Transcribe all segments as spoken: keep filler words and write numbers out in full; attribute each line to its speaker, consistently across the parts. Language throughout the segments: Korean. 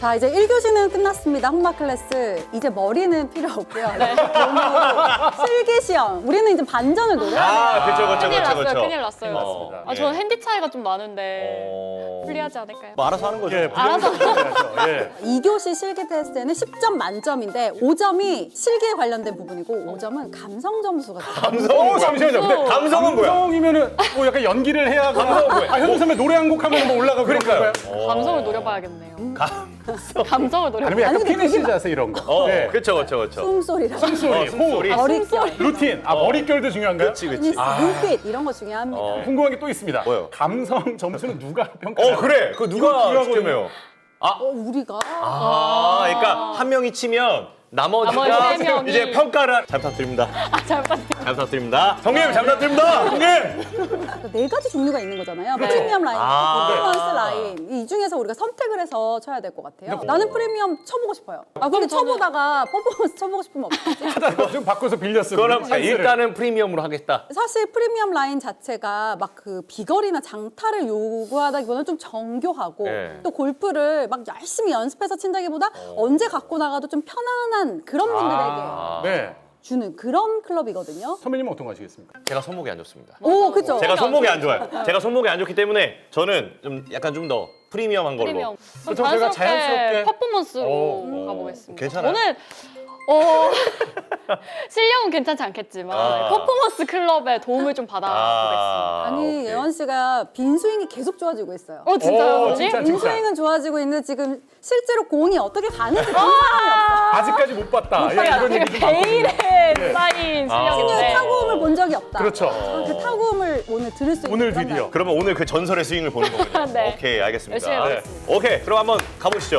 Speaker 1: 자, 이제 일 교시는 끝났습니다. 홍마 클래스. 이제 머리는 필요 없고요.
Speaker 2: 네.
Speaker 1: 실기 시험. 우리는 이제 반전을 노려야 돼요.
Speaker 3: 아, 그쵸, 그쵸,
Speaker 2: 큰일
Speaker 3: 그쵸,
Speaker 2: 났어요,
Speaker 3: 그쵸.
Speaker 2: 큰일 났어요.
Speaker 3: 맞습니다.
Speaker 2: 아, 저는 핸디 차이가 좀 많은데
Speaker 3: 어...
Speaker 2: 불리하지 않을까요?
Speaker 3: 뭐 알아서 하는 거죠.
Speaker 4: 예,
Speaker 2: 알아서.
Speaker 4: 부정해야죠. 예.
Speaker 1: 이 교시 실기 테스트에는 십 점 만점인데 오 점이 실기에 관련된 부분이고 오 점은 감성 점수가 돼요.
Speaker 3: 감성.
Speaker 4: 어, 잠시만요. 근데
Speaker 3: 감성은 뭐야?
Speaker 4: 감성이면은 뭐 약간 연기를 해야 하거나
Speaker 3: 감성은 뭐야?
Speaker 4: 아, 현우 선배 노래 한 곡 하면 뭐 올라가고
Speaker 3: 그러니까요.
Speaker 4: 그런 건가요?
Speaker 2: 감성을 노려봐야겠네요.
Speaker 3: 감성.
Speaker 2: 감성을 노려.
Speaker 4: 아니면 약간
Speaker 1: 아니, 근데
Speaker 4: 피니시
Speaker 1: 그게
Speaker 4: 자세 이런 거.
Speaker 3: 어,
Speaker 4: 예.
Speaker 3: 그쵸, 그쵸, 그쵸.
Speaker 1: 숨소리랑
Speaker 4: 숨소리,
Speaker 3: 어,
Speaker 4: 호흡,
Speaker 3: 숨소리.
Speaker 1: 머릿결,
Speaker 4: 루틴, 아 머릿결도 중요한가요?
Speaker 3: 그치, 그치.
Speaker 1: 피니시, 눈빛 이런 거 중요합니다.
Speaker 3: 어.
Speaker 4: 궁금한 게 또 있습니다.
Speaker 3: 뭐요?
Speaker 4: 감성 점수는 누가 평가해요?
Speaker 3: 어, 그래. 그거 누가
Speaker 4: 중요하거든요.
Speaker 3: 측정해요?
Speaker 1: 어, 우리가
Speaker 3: 아, 그러니까 한 명이 치면 나머지가
Speaker 2: 나머지 세 명이.
Speaker 3: 이제 평가를 잘 부탁드립니다.
Speaker 2: 아, 잘 부탁드려요.
Speaker 3: 잘 부탁드립니다. 형님, 잘 부탁드립니다. 형님.
Speaker 1: 그러니까 네 가지 종류가 있는 거잖아요.
Speaker 2: 네.
Speaker 1: 프리미엄 라인,
Speaker 3: 아.
Speaker 1: 퍼포먼스 라인. 이 중에서 우리가 선택을 해서 쳐야 될 것 같아요.
Speaker 4: 근데
Speaker 1: 나는 프리미엄 쳐보고 싶어요. 아, 근데
Speaker 2: 저는-
Speaker 1: 쳐보다가 퍼포먼스 쳐보고 싶으면 어떡하지?
Speaker 4: 하다가 좀 바꿔서 빌려 쓰고.
Speaker 3: 그럼
Speaker 4: 찬스를.
Speaker 3: 일단은 프리미엄으로 하겠다.
Speaker 1: 사실 프리미엄 라인 자체가 막 그 비거리나 장타를 요구하다기보다는 좀 정교하고
Speaker 3: 네.
Speaker 1: 또 골프를 막 열심히 연습해서 친다기보다 언제 갖고 나가도 좀 편안한 그런 분들에게
Speaker 3: 아.
Speaker 4: 네.
Speaker 1: 주는 그런 클럽이거든요.
Speaker 4: 선배님은 어떤 거 하시겠습니까?
Speaker 3: 제가 손목이 안 좋습니다.
Speaker 1: 오, 그쵸.
Speaker 3: 제가 손목이 안 좋아요.
Speaker 2: 네.
Speaker 3: 제가 손목이 안 좋기 때문에 저는 좀 약간 좀 더 프리미엄한 걸로.
Speaker 2: 프리미엄. 그럼
Speaker 4: 그렇죠, 저희가
Speaker 2: 자연스럽게
Speaker 4: 자연스럽게-
Speaker 2: 퍼포먼스로
Speaker 4: 오,
Speaker 2: 가보겠습니다.
Speaker 3: 괜찮아요?
Speaker 2: 오늘 어, 실력은 괜찮지 않겠지만
Speaker 3: 아.
Speaker 2: 퍼포먼스 클럽의 도움을 좀 받아보겠습니다.
Speaker 3: 아,
Speaker 1: 아니,
Speaker 3: 오케이.
Speaker 1: 예원 씨가 빈 스윙이 계속 좋아지고 있어요.
Speaker 2: 어, 진짜요,
Speaker 4: 오,
Speaker 2: 선생님?
Speaker 4: 진짜,
Speaker 1: 빈
Speaker 4: 진짜.
Speaker 1: 스윙은 좋아지고 있는데 지금 실제로 공이 어떻게 가는지 본 사람이 없어.
Speaker 4: 아직까지 못 봤다. 예,
Speaker 2: 제가
Speaker 4: 이런 얘기 좀 많거든요.
Speaker 2: 베일에 쌓인
Speaker 3: 아.
Speaker 1: 신유의
Speaker 2: 실력인데
Speaker 1: 타구음을 본 적이 없다.
Speaker 4: 그렇죠.
Speaker 1: 아, 그 타구음을 오늘 들을 수 있는
Speaker 4: 오늘
Speaker 1: 그런
Speaker 4: 드디어.
Speaker 1: 날.
Speaker 3: 그러면 오늘 그 전설의 스윙을 보는 거군요.
Speaker 2: 네.
Speaker 3: 오케이, 알겠습니다.
Speaker 2: 열심히 해보겠습니다.
Speaker 3: 오케이, 그럼 한번 가보시죠.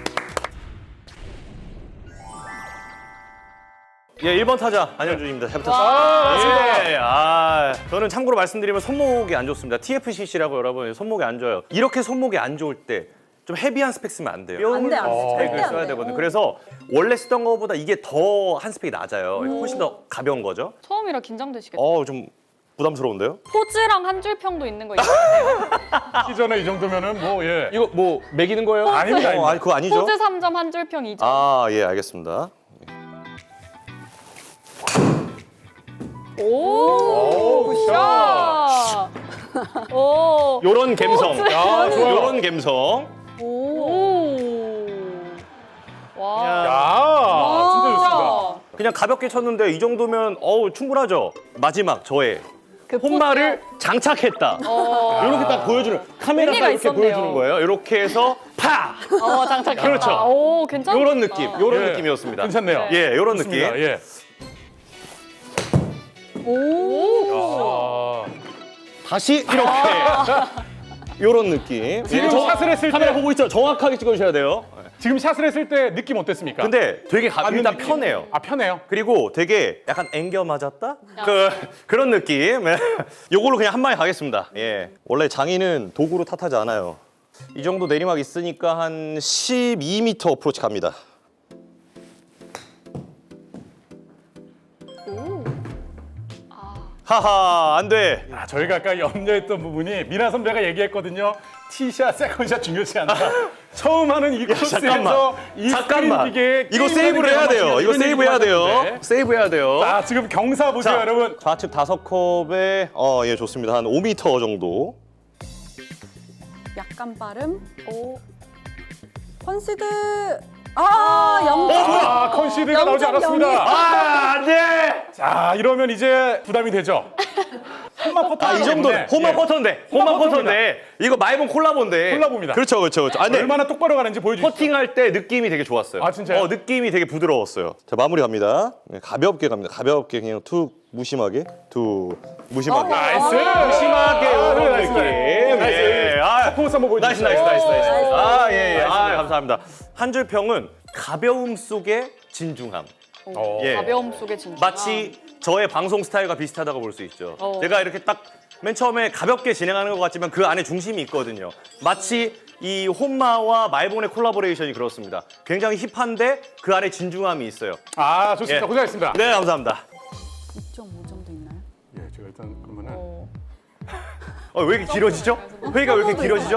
Speaker 3: 예, 일 번 타자 안현준입니다. 잘
Speaker 4: 아,
Speaker 3: 부탁드립니다. 예, 아, 저는 참고로 말씀드리면 손목이 안 좋습니다. 티에프씨씨라고 여러분 손목이 안 좋아요. 이렇게 손목이 안 좋을 때 좀 헤비한 스펙 쓰면 안 돼요.
Speaker 1: 안 돼, 안 돼.
Speaker 3: 뼈
Speaker 1: 절대
Speaker 3: 스펙을
Speaker 1: 안
Speaker 3: 써야
Speaker 1: 돼.
Speaker 3: 되거든요.
Speaker 1: 어.
Speaker 3: 그래서 원래 쓰던 것보다 이게 더 한 스펙이 낮아요. 훨씬 더 가벼운 거죠.
Speaker 2: 처음이라 긴장되시겠죠?
Speaker 3: 어, 좀 부담스러운데요?
Speaker 2: 포즈랑 한 줄 평도 있는 거 있어요.
Speaker 4: 하기 전에 이 정도면은 뭐 예.
Speaker 3: 이거 뭐 매기는 거예요?
Speaker 4: 아닙니다,
Speaker 3: 어,
Speaker 4: 아닙니다.
Speaker 3: 아니, 그거 아니죠?
Speaker 2: 포즈 삼 점, 한 줄 평 이 점.
Speaker 3: 아, 예, 알겠습니다.
Speaker 2: 오,
Speaker 4: 오,
Speaker 2: 굿샷. 오,
Speaker 3: 요런 감성.
Speaker 2: 포즈.
Speaker 4: 야, 좋아요.
Speaker 3: 요런 감성.
Speaker 1: 오.
Speaker 2: 오. 와.
Speaker 4: 야, 진짜 좋습니다.
Speaker 3: 그냥 가볍게 쳤는데 이 정도면 어우 충분하죠. 마지막 저의
Speaker 2: 그
Speaker 3: 홈마를
Speaker 2: 포즈요?
Speaker 3: 장착했다.
Speaker 2: 어.
Speaker 3: 이렇게 딱 보여주는 카메라
Speaker 2: 의미가
Speaker 3: 딱 이렇게
Speaker 2: 있었네요.
Speaker 3: 보여주는 거예요. 이렇게 해서 파.
Speaker 2: 어, 장착했다.
Speaker 3: 그렇죠.
Speaker 2: 오, 괜찮다.
Speaker 3: 요런 느낌, 요런
Speaker 4: 예.
Speaker 3: 느낌이었습니다.
Speaker 4: 괜찮네요.
Speaker 3: 예, 요런
Speaker 4: 좋습니다.
Speaker 3: 느낌.
Speaker 4: 예.
Speaker 1: 오.
Speaker 4: 아,
Speaker 3: 다시 이렇게. 요런 느낌.
Speaker 4: 지금
Speaker 3: 예, 저-
Speaker 4: 샷을 했을 때-
Speaker 3: 카메라 보고 있죠. 정확하게 찍어주셔야 돼요.
Speaker 4: 지금 샷을 했을 때 느낌 어땠습니까?
Speaker 3: 근데 되게 가,
Speaker 4: 받는
Speaker 3: 일단
Speaker 4: 느낌.
Speaker 3: 편해요.
Speaker 4: 아, 편해요.
Speaker 3: 그리고 되게 약간 앵겨 맞았다? 그, 그런 느낌. 예. 요걸로 그냥 한 방에 가겠습니다. 예. 원래 장인은 도구로 탓하지 않아요. 이 정도 내리막 있으니까 한 십이 미터 어프로치 갑니다. 하하, 안 돼.
Speaker 4: 아, 저희가 아까 염려했던 부분이 미나 선배가 얘기했거든요. 티샷, 세컨샷 중요치 않다. 처음 하는 이 코스에서
Speaker 3: 잠깐만.
Speaker 4: 이
Speaker 3: 잠깐만.
Speaker 4: 스크린 기계에
Speaker 3: 이거
Speaker 4: 게임하는
Speaker 3: 세이브를
Speaker 4: 게
Speaker 3: 해야 돼요.
Speaker 4: 아마
Speaker 3: 이거
Speaker 4: 이런
Speaker 3: 세이브 해야
Speaker 4: 얘기
Speaker 3: 돼요.
Speaker 4: 하셨는데.
Speaker 3: 세이브 해야 돼요.
Speaker 4: 자, 지금 경사 보세요,
Speaker 3: 자,
Speaker 4: 여러분.
Speaker 3: 좌측 다섯 컵에 어, 예, 좋습니다. 한 오 미터 정도.
Speaker 1: 약간 빠름.
Speaker 2: 오.
Speaker 1: 컨시드. 아, 영 점.
Speaker 4: 아, 컨시드가 나오지
Speaker 1: 영 점
Speaker 4: 않았습니다.
Speaker 3: 아, 안 돼!
Speaker 4: 자, 이러면 이제 부담이 되죠. 홈마 퍼터.
Speaker 3: 아, 이 정도는 홈런 퍼터인데, 홈런
Speaker 4: 홈런
Speaker 3: 퍼터인데, 이거 마이본 콜라보인데.
Speaker 4: 콜라보입니다.
Speaker 3: 그렇죠, 그렇죠, 그렇죠. 아, 근데
Speaker 4: 얼마나 똑바로 가는지 보여주시죠.
Speaker 3: 퍼팅할 때 느낌이 되게 좋았어요.
Speaker 4: 아, 진짜요?
Speaker 3: 어, 느낌이 되게 부드러웠어요. 자, 마무리 갑니다. 네, 가볍게 갑니다. 가볍게 그냥 툭 무심하게, 툭 무심하게.
Speaker 1: 어,
Speaker 4: 나이스.
Speaker 3: 무심하게
Speaker 4: 아,
Speaker 3: 이런
Speaker 4: 네, 나이스,
Speaker 3: 느낌.
Speaker 4: 나이스.
Speaker 3: 예, 아,
Speaker 4: 퍼포먼스 한번
Speaker 3: 나이스,
Speaker 4: 보여주시죠.
Speaker 3: 나이스, 나이스, 나이스.
Speaker 1: 나이스.
Speaker 3: 아, 예, 예. 아,
Speaker 4: 나이스.
Speaker 3: 감사합니다. 한 줄 평은 가벼움 속의 진중함.
Speaker 4: 어.
Speaker 3: 예.
Speaker 2: 가벼움 속에 진짜.
Speaker 3: 마치 저의 방송 스타일과 비슷하다고 볼 수 있죠.
Speaker 2: 어.
Speaker 3: 제가 이렇게 딱 맨 처음에 가볍게 진행하는 것 같지만 그 안에 중심이 있거든요. 마치 이 홈마와 말본의 콜라보레이션이 그렇습니다. 굉장히 힙한데 그 안에 진중함이 있어요.
Speaker 4: 아, 좋습니다.
Speaker 3: 예.
Speaker 4: 고생하셨습니다.
Speaker 3: 네, 감사합니다.
Speaker 1: 이 점 오 점도 있나요?
Speaker 4: 예, 제가 일단 그러면은
Speaker 2: 어.
Speaker 3: 어, 왜 이렇게 길어지죠? 회의가 왜 이렇게 길어지죠?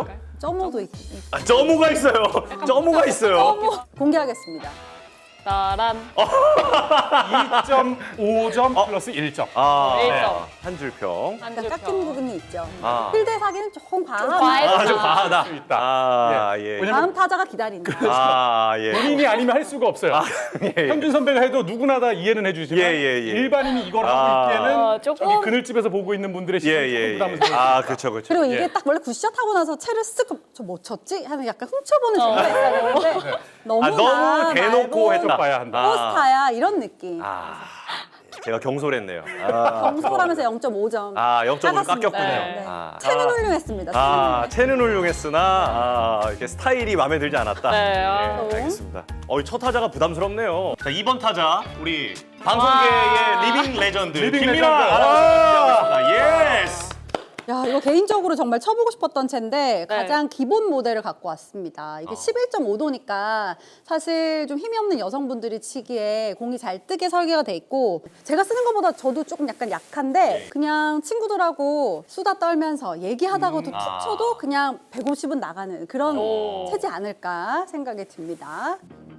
Speaker 1: 점오도 있,
Speaker 3: 아, 점오가 있어요. 점오가 있어요.
Speaker 1: 점오 공개하겠습니다.
Speaker 2: 따란.
Speaker 4: 이 점 오 점
Speaker 3: 어.
Speaker 4: 플러스 일 점.
Speaker 3: 아,
Speaker 2: 일
Speaker 3: 네.
Speaker 2: 점.
Speaker 3: 한 줄평.
Speaker 2: 한
Speaker 1: 약간
Speaker 2: 줄
Speaker 1: 깎인
Speaker 2: 평.
Speaker 1: 부분이 있죠.
Speaker 3: 아.
Speaker 1: 필드 사기는 조금 과하다.
Speaker 2: 과했다.
Speaker 3: 아, 좀 과하다.
Speaker 4: 수 있다.
Speaker 3: 아, 예.
Speaker 4: 왜냐면
Speaker 1: 다음 타자가 기다린다.
Speaker 3: 아, 예.
Speaker 4: 본인이 아니면 할 수가 없어요.
Speaker 3: 예, 예.
Speaker 4: 현준 선배가 해도 누구나 다 이해는 해주지만
Speaker 3: 예, 예, 예.
Speaker 4: 일반인이 이걸
Speaker 3: 아.
Speaker 4: 하고 있기에는
Speaker 2: 어, 조금-
Speaker 4: 저기 그늘집에서 보고 있는 분들의
Speaker 3: 예,
Speaker 4: 시선이
Speaker 3: 예,
Speaker 4: 조금
Speaker 3: 예.
Speaker 4: 부담스러울
Speaker 3: 아,
Speaker 4: 수 있다.
Speaker 3: 그렇죠, 그렇죠.
Speaker 1: 그리고 이게
Speaker 4: 예.
Speaker 1: 딱 원래 굿샷 하고 나서 채를 쓱 저 뭐 쳤지? 하는 약간 훔쳐보는 재미가 있어야 되는데 너무
Speaker 3: 아, 너무 대놓고 했다.
Speaker 4: 봐야 한다.
Speaker 1: 포스타야 이런 느낌.
Speaker 3: 아, 제가 경솔했네요. 아,
Speaker 1: 경솔하면서 영 점 오 점.
Speaker 3: 아, 영 점으로
Speaker 1: 작았습니다.
Speaker 3: 깎였군요.
Speaker 1: 네.
Speaker 3: 아.
Speaker 1: 채는 훌륭했습니다.
Speaker 3: 아, 채는 훌륭했으나 아, 이렇게 스타일이 마음에 들지 않았다.
Speaker 2: 네, 아.
Speaker 3: 예, 알겠습니다. 어, 첫 타자가 부담스럽네요. 자, 이 번 타자 우리 방송계의 리빙 레전드
Speaker 4: 리빙
Speaker 3: 김민아
Speaker 4: 레전드.
Speaker 3: 아나운서입니다. 예스.
Speaker 1: 야, 이거 개인적으로 정말 쳐보고 싶었던 채인데
Speaker 2: 네.
Speaker 1: 가장 기본 모델을 갖고 왔습니다.
Speaker 3: 어.
Speaker 1: 이게 십일 점 오 도니까 사실 좀 힘이 없는 여성분들이 치기에 공이 잘 뜨게 설계가 돼 있고 제가 쓰는 것보다 저도 조금 약간 약한데 그냥 친구들하고 수다 떨면서 얘기하다가도 툭
Speaker 3: 아.
Speaker 1: 쳐도 그냥 백오십은 나가는 그런
Speaker 2: 오.
Speaker 1: 채지 않을까 생각이 듭니다.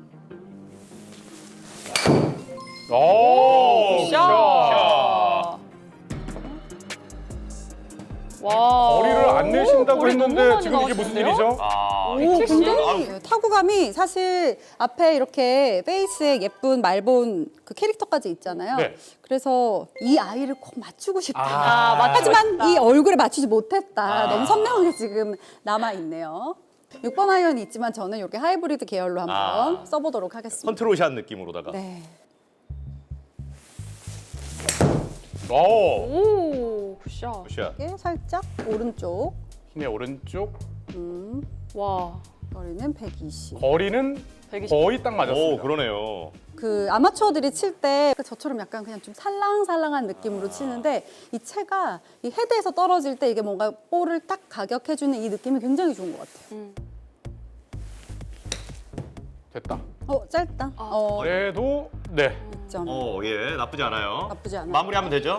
Speaker 4: 오,
Speaker 2: 샷. 와.
Speaker 4: 거리를 안 내신다고
Speaker 2: 거리 너무
Speaker 4: 했는데
Speaker 2: 많이
Speaker 4: 지금 이게 무슨
Speaker 2: 나오시는데요?
Speaker 4: 일이죠?
Speaker 3: 아,
Speaker 1: 오,
Speaker 2: 칠십?
Speaker 1: 굉장히 타구감이 사실 앞에 이렇게 페이스에 예쁜 말본 그 캐릭터까지 있잖아요.
Speaker 4: 네.
Speaker 1: 그래서 이 아이를 꼭 맞추고 싶다.
Speaker 2: 아, 맞
Speaker 1: 하지만 이 얼굴에 맞추지 못했다.
Speaker 3: 아.
Speaker 1: 너무 선명하게 지금 남아있네요. 육 번 아이언이 있지만 저는 이렇게 하이브리드 계열로 한번
Speaker 3: 아.
Speaker 1: 써보도록 하겠습니다.
Speaker 3: 컨트롤샷 느낌으로다가.
Speaker 1: 네.
Speaker 4: 오,
Speaker 2: 오, 굿샷.
Speaker 3: 굿샷.
Speaker 1: 이렇게 살짝 오른쪽
Speaker 4: 힘의 오른쪽
Speaker 1: 음,
Speaker 2: 와.
Speaker 1: 거리는 백이십.
Speaker 4: 거리는
Speaker 2: 백이십.
Speaker 4: 거의 딱
Speaker 3: 오,
Speaker 4: 맞았습니다.
Speaker 3: 그러네요.
Speaker 1: 그 아마추어들이 칠 때 저처럼 약간 그냥 좀 살랑살랑한 느낌으로 치는데 이 채가 이 헤드에서 떨어질 때 이게 뭔가 볼을 딱 가격해주는 이 느낌이 굉장히 좋은 것 같아요.
Speaker 2: 음.
Speaker 4: 됐다.
Speaker 1: 어 짧다. 어
Speaker 4: 그래도 네.
Speaker 1: 육 점.
Speaker 3: 어, 예, 나쁘지 않아요.
Speaker 1: 나쁘지 않아요.
Speaker 3: 마무리하면 되죠?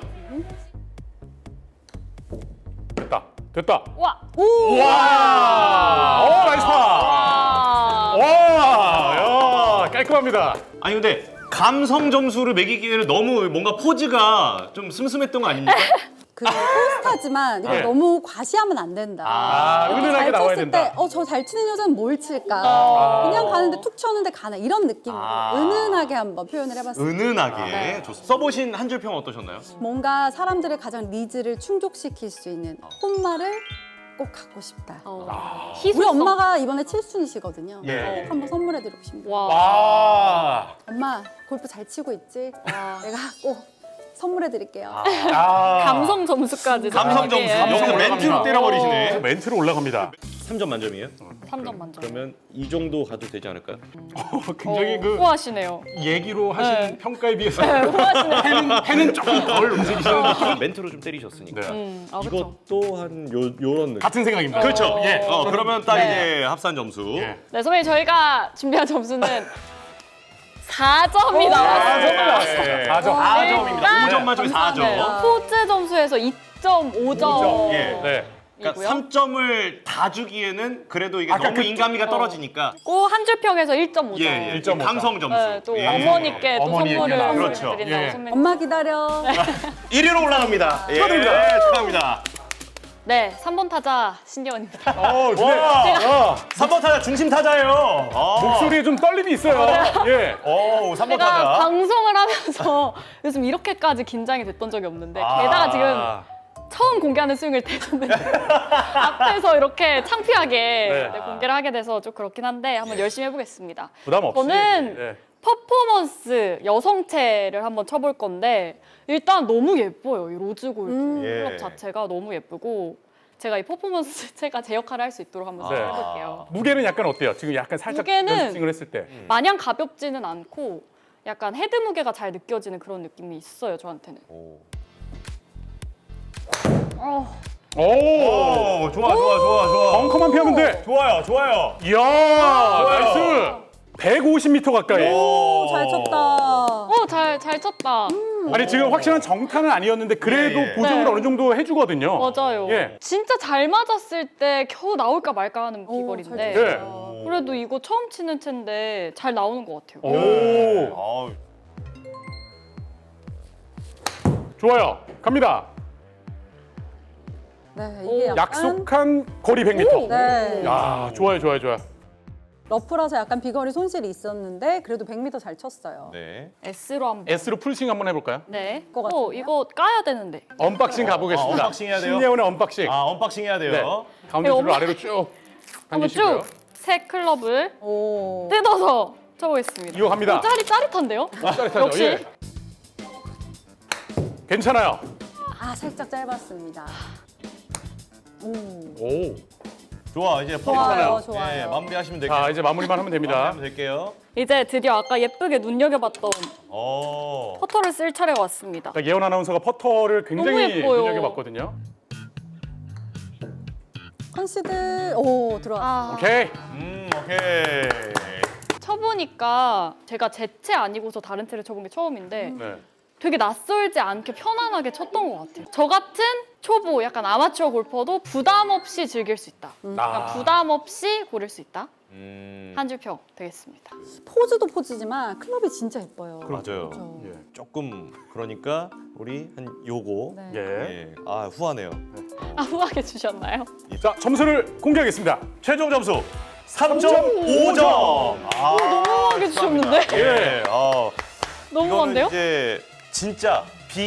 Speaker 4: 됐다. 됐다.
Speaker 2: 와.
Speaker 1: 오!
Speaker 4: 와! 오, 나이스 파!
Speaker 2: 와.
Speaker 4: 와! 야, 깔끔합니다.
Speaker 3: 아니 근데 감성 점수를 매기기에는 너무 뭔가 포즈가 좀 슴슴했던 거 아닙니까?
Speaker 1: 그 포스타지만 이거
Speaker 4: 네.
Speaker 1: 너무 과시하면 안 된다.
Speaker 3: 아,
Speaker 1: 이렇게
Speaker 4: 은은하게
Speaker 1: 잘
Speaker 4: 나와야
Speaker 1: 쳤을
Speaker 4: 된다.
Speaker 1: 때, 어, 저 잘 치는 여자는 뭘 칠까?
Speaker 4: 아.
Speaker 1: 그냥 가는데 툭 쳤는데 가나 이런 느낌으로
Speaker 3: 아.
Speaker 1: 은은하게 한번 표현을 해봤습니다.
Speaker 3: 은은하게 좋습니다. 써보신 한 줄 평 어떠셨나요?
Speaker 1: 뭔가 사람들의 가장 니즈를 충족시킬 수 있는 홈마를 꼭 갖고 싶다.
Speaker 2: 어.
Speaker 1: 우리
Speaker 2: 희소성.
Speaker 1: 엄마가 이번에 칠순이시거든요.
Speaker 3: 예.
Speaker 1: 꼭 한번 선물해드리고 싶네요.
Speaker 2: 와.
Speaker 4: 와!
Speaker 1: 엄마 골프 잘 치고 있지?
Speaker 2: 와.
Speaker 1: 내가 꼭 선물해드릴게요.
Speaker 4: 야.
Speaker 2: 감성 점수까지.
Speaker 3: 감성 점수.
Speaker 2: 정확하게.
Speaker 3: 여기서 멘트로 때려버리시네.
Speaker 4: 멘트로 올라갑니다.
Speaker 3: 삼 점 만점이에요?
Speaker 2: 삼 점 만점.
Speaker 3: 그러면 이 정도 가도 되지 않을까요?
Speaker 4: 굉장히
Speaker 2: 어,
Speaker 4: 그
Speaker 2: 후하시네요.
Speaker 4: 얘기로 하신
Speaker 2: 네.
Speaker 4: 평가에 비해서
Speaker 2: 후하시네요.
Speaker 4: 펜은, 펜은 조금 덜 움직이시는 느낌.
Speaker 3: 멘트로 좀 때리셨으니까.
Speaker 4: 네.
Speaker 2: 음, 아, 그렇죠.
Speaker 3: 이것도 한 요, 요런 느낌.
Speaker 4: 같은 생각입니다.
Speaker 3: 그렇죠. 예. 어, 그러면 딱
Speaker 2: 네.
Speaker 3: 이제 합산 점수.
Speaker 4: 예.
Speaker 2: 네, 선배님 저희가 준비한 점수는 사 점이
Speaker 4: 아,
Speaker 2: 나왔어요.
Speaker 4: 정말 나왔어요. 사 점.
Speaker 3: 사 점입니다. 오 점 만점에 사 점.
Speaker 2: 네, 포즈 점수에서 이 점 오 점.
Speaker 3: 예.
Speaker 4: 네.
Speaker 3: 그러니까
Speaker 2: 이고요.
Speaker 3: 삼 점을 다 주기에는 그래도 이게
Speaker 4: 아까
Speaker 3: 너무
Speaker 4: 그-
Speaker 3: 인간미가 떨어지니까.
Speaker 2: 꼭 한 줄 평에서 일 점 오 점.
Speaker 3: 예, 예.
Speaker 4: 일 점 오 점.
Speaker 3: 감성 점수.
Speaker 2: 네, 또
Speaker 3: 예.
Speaker 2: 어머니께 또
Speaker 4: 어머니에게
Speaker 2: 선물을
Speaker 4: 나-
Speaker 3: 그렇죠.
Speaker 2: 드린다고
Speaker 4: 예.
Speaker 2: 선배님.
Speaker 1: 엄마 기다려.
Speaker 3: 일 위로 올라갑니다. 예.
Speaker 4: 축하드립니다.
Speaker 3: 축하합니다.
Speaker 2: 네, 삼 번 타자 신기원입니다.
Speaker 4: 어, 근데
Speaker 3: 와.
Speaker 4: 야,
Speaker 3: 삼 번 타자 중심 타자예요. 아.
Speaker 4: 목소리에 좀 떨림이 있어요. 예.
Speaker 3: 오, 삼 번
Speaker 2: 제가
Speaker 3: 타자.
Speaker 2: 방송을 하면서 요즘 이렇게까지 긴장이 됐던 적이 없는데
Speaker 3: 아.
Speaker 2: 게다가 지금 처음 공개하는 스윙을 대줬는데 앞에서 이렇게 창피하게
Speaker 4: 네.
Speaker 2: 네, 공개를 하게 돼서 좀 그렇긴 한데 한번 열심히 해보겠습니다.
Speaker 4: 부담 없이.
Speaker 2: 저는
Speaker 4: 예.
Speaker 2: 퍼포먼스 여성체를 한번 쳐볼 건데 일단 너무 예뻐요. 이 로즈 골드
Speaker 1: 음.
Speaker 2: 클럽
Speaker 3: 예.
Speaker 2: 자체가 너무 예쁘고 제가 이 퍼포먼스 체가 제 역할을 할 수 있도록 한번
Speaker 4: 네.
Speaker 2: 해볼게요.
Speaker 4: 무게는 약간 어때요? 지금 약간 살짝
Speaker 2: 무게는-
Speaker 4: 연습을 했을 때.
Speaker 2: 마냥 가볍지는 않고 약간 헤드 무게가 잘 느껴지는 그런 느낌이 있어요, 저한테는.
Speaker 3: 오.
Speaker 2: 어,
Speaker 4: 오!
Speaker 3: 오, 좋아, 좋아, 좋아, 좋아.
Speaker 4: 벙커만 피하면 돼.
Speaker 3: 좋아요, 좋아요.
Speaker 4: 이야, 나이스. 백오십 미터 가까이.
Speaker 1: 오, 잘 쳤다.
Speaker 2: 어 오, 잘, 잘 쳤다.
Speaker 4: 아니 지금 확실한 정타는 아니었는데 그래도
Speaker 3: 예, 예.
Speaker 4: 보정을
Speaker 2: 네.
Speaker 4: 어느 정도 해주거든요.
Speaker 2: 맞아요.
Speaker 4: 예.
Speaker 2: 진짜 잘 맞았을 때 겨우 나올까 말까 하는
Speaker 1: 오,
Speaker 2: 비거리인데.
Speaker 1: 잘
Speaker 4: 예.
Speaker 1: 쳤어요.
Speaker 2: 그래도 이거 처음 치는 채인데 잘 나오는 것 같아요.
Speaker 4: 오,
Speaker 3: 아우,
Speaker 4: 좋아요. 갑니다.
Speaker 1: 네, 이게 약간
Speaker 4: 약속한 거리 백 미터.
Speaker 1: 네.
Speaker 4: 야, 좋아요, 좋아요, 좋아요.
Speaker 1: 러프라서 약간 비거리 손실이 있었는데 그래도 백 미터 잘 쳤어요.
Speaker 3: 네.
Speaker 2: S로 한번.
Speaker 4: S로 풀스윙 한번 해볼까요?
Speaker 2: 네.
Speaker 1: 것
Speaker 2: 어,
Speaker 1: 같은데요?
Speaker 2: 이거 까야 되는데.
Speaker 4: 언박싱 가보겠습니다.
Speaker 3: 아, 언박싱 해야 돼요?
Speaker 4: 신예원의 언박싱.
Speaker 3: 아, 언박싱 해야 돼요.
Speaker 4: 네. 가운데
Speaker 2: 네,
Speaker 4: 줄로
Speaker 2: 어머.
Speaker 4: 아래로 쭉
Speaker 2: 한번
Speaker 4: 당기시고요.
Speaker 2: 쭉 새 클럽을
Speaker 1: 오.
Speaker 2: 뜯어서 쳐보겠습니다.
Speaker 4: 이거 갑니다.
Speaker 2: 오, 짜릿, 짜릿한데요?
Speaker 4: 짜릿하죠?
Speaker 2: 역시.
Speaker 4: 예. 괜찮아요.
Speaker 1: 아, 살짝 짧았습니다. 오.
Speaker 4: 오.
Speaker 3: 좋아, 이제
Speaker 1: 좋아요,
Speaker 3: 퍼즐
Speaker 1: 좋아요.
Speaker 3: 예, 마무리하시면 될게요.
Speaker 4: 자, 이제 마무리만 하면 됩니다.
Speaker 3: 마무리하면 될게요.
Speaker 2: 이제 드디어 아까 예쁘게 눈여겨봤던
Speaker 3: 어.
Speaker 2: 퍼터를 쓸 차례가 왔습니다.
Speaker 4: 자, 예원 아나운서가 퍼터를 굉장히
Speaker 2: 너무 예뻐요.
Speaker 4: 눈여겨봤거든요.
Speaker 1: 컨시드 오 들어왔어.
Speaker 2: 아,
Speaker 4: 오케이.
Speaker 3: 음, 오케이.
Speaker 2: 쳐보니까 제가 제 채 아니고서 다른 채를 쳐본 게 처음인데
Speaker 4: 네.
Speaker 2: 되게 낯설지 않게 편안하게 쳤던 것 같아요. 저 같은 초보, 약간 아마추어 골퍼도 부담 없이 즐길 수 있다.
Speaker 4: 아.
Speaker 2: 약간 부담 없이 고를 수 있다.
Speaker 3: 음,
Speaker 2: 한 줄 평 되겠습니다.
Speaker 1: 포즈도 포즈지만 클럽이 진짜 예뻐요.
Speaker 3: 맞아요.
Speaker 1: 그렇죠.
Speaker 4: 예.
Speaker 3: 조금 그러니까 우리 한 요거.
Speaker 1: 네.
Speaker 4: 예.
Speaker 3: 예. 아, 후하네요.
Speaker 2: 아, 후하게 주셨나요?
Speaker 4: 자, 점수를 공개하겠습니다.
Speaker 3: 최종 점수 삼 점 오 점. 아,
Speaker 2: 너무 후하게 주셨는데?
Speaker 3: 예. 어. 이거는
Speaker 2: 너무한데요?
Speaker 3: 이제 진짜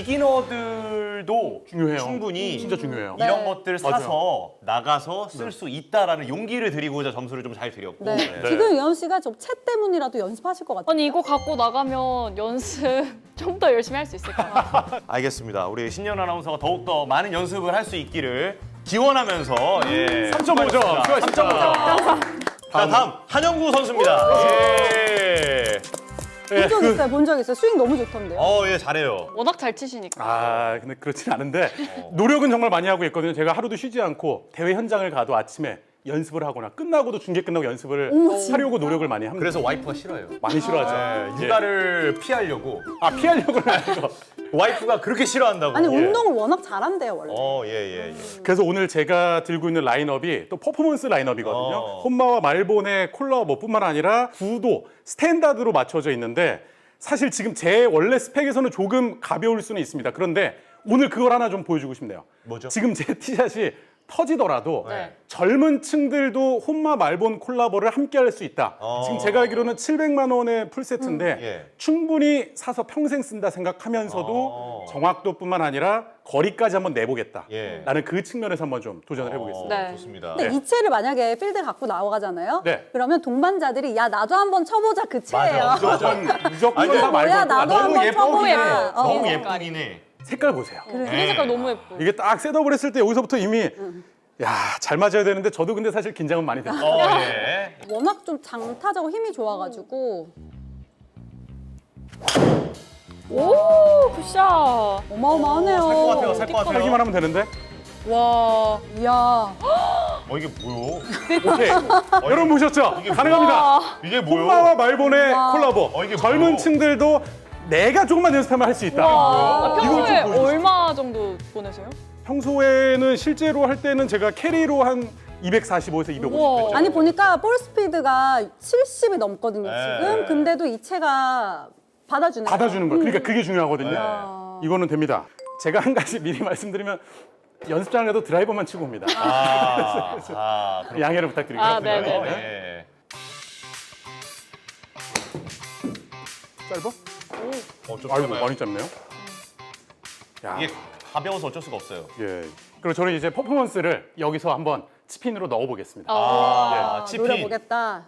Speaker 3: 비기너들도
Speaker 4: 중요해요.
Speaker 3: 충분히
Speaker 4: 진짜 중요해요.
Speaker 3: 이런
Speaker 1: 네.
Speaker 3: 것들 사서 나가서 쓸 수 있다라는 용기를 드리고자 점수를 좀 잘 드렸고.
Speaker 1: 네.
Speaker 3: 네.
Speaker 1: 지금 유현 씨가 좀 채 때문이라도 연습하실 것 같아요.
Speaker 2: 아니 이거 갖고 나가면 연습 좀 더 열심히 할 수 있을까요?
Speaker 3: 알겠습니다. 우리 신년 아나운서가 더욱더 많은 연습을 할 수 있기를 기원하면서 예.
Speaker 4: 삼 점 오 점. 수고하셨습니다.
Speaker 3: 삼 점 오 점. 자, 다음 한영구 선수입니다. 예.
Speaker 4: 예,
Speaker 1: 본 적
Speaker 4: 그-
Speaker 1: 있어요, 본 적 있어요. 스윙 너무 좋던데요.
Speaker 3: 어, 예, 잘해요.
Speaker 2: 워낙 잘 치시니까.
Speaker 4: 아, 근데 그렇진 않은데 노력은 정말 많이 하고 있거든요. 제가 하루도 쉬지 않고 대회 현장을 가도 아침에 연습을 하거나 끝나고도 중계 끝나고 연습을 하려고 노력을 많이 합니다.
Speaker 3: 그래서 와이프가 싫어요.
Speaker 4: 많이 싫어하죠.
Speaker 3: 네,
Speaker 4: 예.
Speaker 3: 육아를 피하려고.
Speaker 4: 아, 피하려고는 아니고.
Speaker 3: 와이프가 그렇게 싫어한다고.
Speaker 1: 아니
Speaker 3: 예.
Speaker 1: 운동을 워낙 잘한대요 원래.
Speaker 3: 어, 예, 예, 예.
Speaker 4: 그래서 오늘 제가 들고 있는 라인업이 또 퍼포먼스 라인업이거든요.
Speaker 3: 어.
Speaker 4: 혼마와 말본의 콜라보뿐만 아니라 구도 스탠다드로 맞춰져 있는데 사실 지금 제 원래 스펙에서는 조금 가벼울 수는 있습니다. 그런데 오늘 그걸 하나 좀 보여주고 싶네요.
Speaker 3: 뭐죠?
Speaker 4: 지금 제 티샷이 터지더라도
Speaker 2: 네.
Speaker 4: 젊은 층들도 혼마 말본 콜라보를 함께 할 수 있다.
Speaker 3: 어.
Speaker 4: 지금 제가 알기로는 칠백만 원의 풀세트인데
Speaker 3: 예.
Speaker 4: 충분히 사서 평생 쓴다 생각하면서도
Speaker 3: 어.
Speaker 4: 정확도뿐만 아니라 거리까지 한번 내보겠다.
Speaker 3: 예.
Speaker 4: 라는 그 측면에서 한번 좀 도전을 해보겠습니다.
Speaker 2: 네.
Speaker 3: 좋습니다.
Speaker 1: 근데 이 채를 만약에 필드 갖고 나가잖아요.
Speaker 4: 네.
Speaker 1: 그러면 동반자들이 야 나도 한번 쳐보자 그 채예요.
Speaker 3: 맞아.
Speaker 4: 무조건 무조건
Speaker 3: 아니,
Speaker 4: 다
Speaker 1: 이거 뭐야,
Speaker 4: 말고
Speaker 1: 나도
Speaker 3: 너무
Speaker 1: 한번
Speaker 3: 예쁘긴 해.
Speaker 1: 쳐보자. 어.
Speaker 3: 너무
Speaker 2: 어.
Speaker 3: 예쁘긴 해.
Speaker 4: 색깔 보세요.
Speaker 2: 그린 색깔 너무 예뻐.
Speaker 4: 이게 딱 셋업을 했을 때 여기서부터 이미 야, 잘 맞아야 되는데 저도 근데 사실 긴장은 많이 됐어요.
Speaker 3: 어, 예.
Speaker 1: 워낙 좀 장타자고 힘이 좋아가지고
Speaker 2: 오, 굿샷.
Speaker 1: 어마어마하네요.
Speaker 3: 살 것 같아요. 살 것 같아요.
Speaker 4: 살기만 하면 되는데.
Speaker 2: 와.
Speaker 1: 이야.
Speaker 3: 어, 이게 뭐요?
Speaker 4: 오케이. 여러분 보셨죠?
Speaker 3: 이게
Speaker 4: 가능합니다.
Speaker 2: 와.
Speaker 3: 이게 뭐요?
Speaker 4: 혼마와 말본의
Speaker 1: 와.
Speaker 4: 콜라보.
Speaker 3: 어, 이게
Speaker 4: 젊은
Speaker 3: 뭐요?
Speaker 4: 층들도 내가 조금만 연습하면 할 수 있다.
Speaker 2: 와.
Speaker 4: 이걸 좀
Speaker 2: 평소에
Speaker 4: 보여주세요.
Speaker 2: 얼마 정도 보내세요?
Speaker 4: 평소에는 실제로 할 때는 제가 캐리로 한 이백사십오에서 이백오십
Speaker 2: 우와.
Speaker 4: 했죠.
Speaker 1: 아니 보니까 볼 스피드가 칠십이 넘거든요
Speaker 3: 네.
Speaker 1: 지금. 근데도 이 채가 받아주네요.
Speaker 4: 받아주는 거예요. 그러니까 그게 중요하거든요.
Speaker 3: 네.
Speaker 4: 이거는 됩니다. 제가 한 가지 미리 말씀드리면 연습장을 가도 드라이버만 치고 옵니다.
Speaker 3: 아, 아, 그렇군요.
Speaker 4: 양해를 부탁드리겠습니다.
Speaker 2: 아, 네, 네, 네.
Speaker 3: 예.
Speaker 4: 짧아?
Speaker 3: 어, 좀
Speaker 4: 아이고
Speaker 3: 짧아요.
Speaker 4: 많이 짧네요. 야,
Speaker 3: 이게 가벼워서 어쩔 수가 없어요.
Speaker 4: 예. 그리고 저는 이제 퍼포먼스를 여기서 한번 스핀으로 넣어보겠습니다.
Speaker 3: 아,
Speaker 1: 아,
Speaker 3: 치핀.
Speaker 1: 노려보겠다.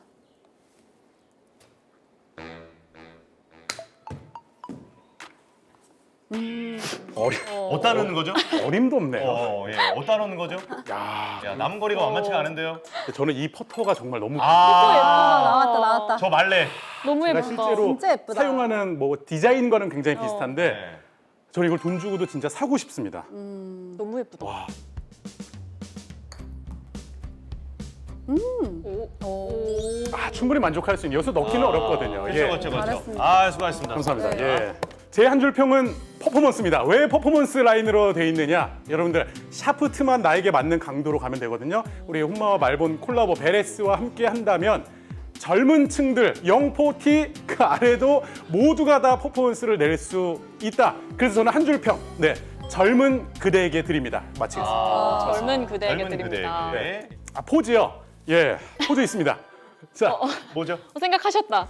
Speaker 4: 어리,
Speaker 3: 어디다 넣는 거죠?
Speaker 4: 어림도 없네요.
Speaker 3: 어, 예. 어디다 넣는 거죠?
Speaker 4: 야,
Speaker 3: 야, 남은 거리가 만만치가 않은데요.
Speaker 4: 저는 이 퍼터가 정말 너무
Speaker 1: 아,
Speaker 3: 아,
Speaker 1: 나왔다 나왔다.
Speaker 3: 저 말래.
Speaker 2: 너무
Speaker 4: 제가
Speaker 2: 예쁘다.
Speaker 4: 실제로
Speaker 1: 진짜 예쁘다.
Speaker 4: 사용하는 뭐 디자인과는 굉장히 비슷한데
Speaker 3: 네.
Speaker 4: 저는 이걸 돈 주고도 진짜 사고 싶습니다.
Speaker 2: 너무 예쁘다.
Speaker 4: 와,
Speaker 2: 오.
Speaker 1: 오.
Speaker 4: 아, 충분히 만족할 수 있는 여기서 넣기는 어렵거든요.
Speaker 3: 그렇죠,
Speaker 4: 예.
Speaker 3: 그렇죠, 그렇죠.
Speaker 1: 잘했습니다.
Speaker 3: 아, 수고하셨습니다.
Speaker 4: 감사합니다.
Speaker 1: 네.
Speaker 4: 예. 제 한 줄 평은 퍼포먼스입니다. 왜 퍼포먼스 라인으로 돼 있느냐? 여러분들 샤프트만 나에게 맞는 강도로 가면 되거든요. 우리 혼마와 말본 콜라보 베레스와 함께 한다면 젊은 층들 영포티 그 아래도 모두가 다 퍼포먼스를 낼 수 있다. 그래서 저는 한 줄 평, 네, 젊은 그대에게 드립니다. 마치겠습니다.
Speaker 2: 아, 젊은 그대에게
Speaker 3: 젊은
Speaker 2: 드립니다.
Speaker 3: 그대에게.
Speaker 4: 아, 포즈요. 예, 포즈 있습니다. 자,
Speaker 3: 뭐죠?
Speaker 2: 어, 생각하셨다.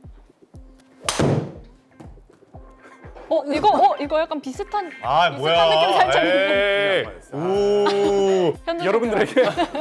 Speaker 2: 어 이거 어 이거 약간 비슷한
Speaker 3: 아,
Speaker 2: 비슷한
Speaker 3: 뭐야?
Speaker 2: 느낌 살짝 있는.
Speaker 3: 에이. 오.
Speaker 2: 현준
Speaker 4: 여러분들에게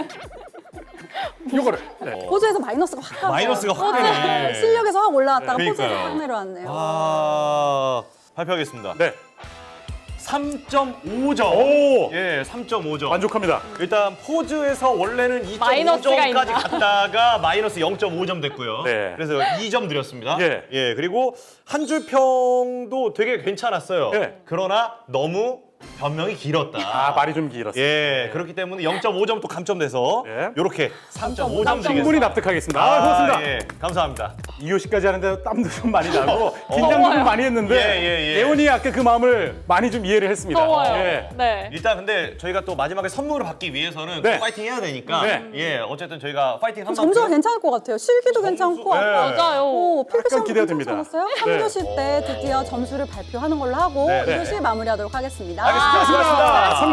Speaker 4: 요거를 네.
Speaker 1: 포즈에서 마이너스가 확 가죠.
Speaker 3: 마이너스가 확 되네.
Speaker 1: 실력에서 확 올라왔다가
Speaker 3: 네.
Speaker 1: 포즈에서
Speaker 3: 그러니까요.
Speaker 1: 확 내려왔네요.
Speaker 3: 아, 발표하겠습니다.
Speaker 4: 네.
Speaker 3: 삼 점 오 점.
Speaker 4: 오!
Speaker 3: 예, 삼 점 오 점.
Speaker 4: 만족합니다.
Speaker 3: 일단 포즈에서 원래는 이 점 오
Speaker 2: 마이너스가
Speaker 3: 점까지
Speaker 2: 있나?
Speaker 3: 갔다가 마이너스 영 점 오 점 됐고요.
Speaker 4: 네.
Speaker 3: 그래서 이 점 드렸습니다.
Speaker 4: 예.
Speaker 3: 예, 그리고 한 줄 평도 되게 괜찮았어요.
Speaker 4: 예.
Speaker 3: 그러나 너무 변명이 길었다.
Speaker 4: 아, 말이 좀 길었어요.
Speaker 3: 예, 그렇기 때문에 영 점 오 점 또 감점돼서
Speaker 4: 예.
Speaker 3: 이렇게 삼 점 오 점 드리겠습니다.
Speaker 4: 충분히 납득하겠습니다. 아, 고맙습니다.
Speaker 3: 예, 감사합니다.
Speaker 4: 이호 씨까지 하는데 땀도 좀 많이 나고 긴장도 좀 많이 했는데
Speaker 3: 예, 예, 예.
Speaker 4: 예원이 아까 그 마음을 많이 좀 이해를 했습니다.
Speaker 2: 더워요.
Speaker 4: 예.
Speaker 2: 네.
Speaker 3: 일단 근데 저희가 또 마지막에 선물을 받기 위해서는
Speaker 4: 네.
Speaker 3: 또 파이팅 해야 되니까
Speaker 4: 네.
Speaker 3: 예, 어쨌든 저희가 파이팅 한번
Speaker 1: 점수가 괜찮을 것 같아요. 실기도 괜찮고
Speaker 3: 네.
Speaker 1: 아까
Speaker 2: 맞아요.
Speaker 1: 오, 필기 시험
Speaker 4: 기대가
Speaker 1: 괜찮지
Speaker 4: 됩니다.
Speaker 1: 않았어요?
Speaker 4: 네.
Speaker 1: 삼 교시 때 드디어 점수를 발표하는 걸로 하고
Speaker 3: 네, 네.
Speaker 1: 이 교시 마무리하도록 하겠습니다.
Speaker 3: 알겠습니다. 수고하셨습니다.
Speaker 4: 삼